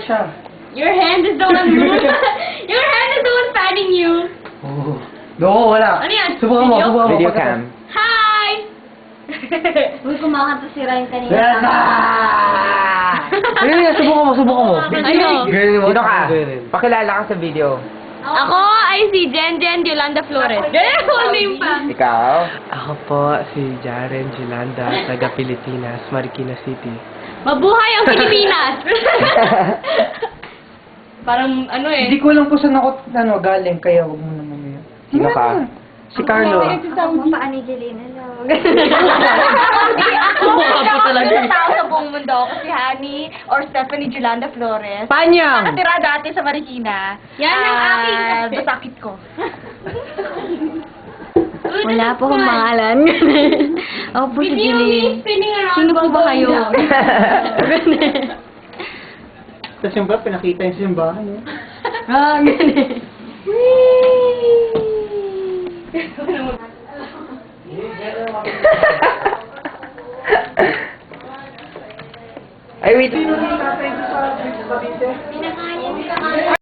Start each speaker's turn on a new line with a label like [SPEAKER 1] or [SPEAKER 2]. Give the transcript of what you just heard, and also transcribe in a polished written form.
[SPEAKER 1] siya.
[SPEAKER 2] Your hand is the one Your hand is the one fanning you.
[SPEAKER 1] Oh. No, wala.
[SPEAKER 2] Ano yan?
[SPEAKER 1] Subukan mo,
[SPEAKER 2] Video?
[SPEAKER 1] subukan mo.
[SPEAKER 3] Video
[SPEAKER 1] Pagka-
[SPEAKER 3] cam.
[SPEAKER 2] Hi!
[SPEAKER 4] Uy, kumakanta si Ryan kanina.
[SPEAKER 1] Yes! Ayun yan, subukan mo, subukan mo.
[SPEAKER 2] Ano?
[SPEAKER 1] Ganyan mo.
[SPEAKER 3] Sino ka?
[SPEAKER 1] Ganyan.
[SPEAKER 3] Pakilala ka sa video.
[SPEAKER 2] Ako ay si Jen Yolanda Flores. Full name pa.
[SPEAKER 3] Ikaw?
[SPEAKER 5] Ako po si Jaren Gilanda, taga Pilipinas, Marikina City.
[SPEAKER 2] Mabuhay ang Pilipinas! Parang ano
[SPEAKER 1] Hindi
[SPEAKER 2] eh.
[SPEAKER 1] ko alam kung saan ako galing, kaya wag mo naman yun.
[SPEAKER 3] Sino ka?
[SPEAKER 5] Si Carlo.
[SPEAKER 4] Ako pa ni Jelena. Hello.
[SPEAKER 2] Hindi ako.
[SPEAKER 5] Subukan po talaga.
[SPEAKER 2] Ang tao sa buong mundo ako si Honey or Stephanie Yolanda Flores.
[SPEAKER 5] Panyang!
[SPEAKER 2] Nakatira dati sa Marikina. Yan ang aking basakit ko.
[SPEAKER 4] Wala po akong pangalan. Ako po si Jeline. Sino po ba kayo?
[SPEAKER 1] Sa simba, pinakita yung simbahan. Eh.
[SPEAKER 4] Ah, ganun.
[SPEAKER 3] Ay, wait.
[SPEAKER 4] Pinakain.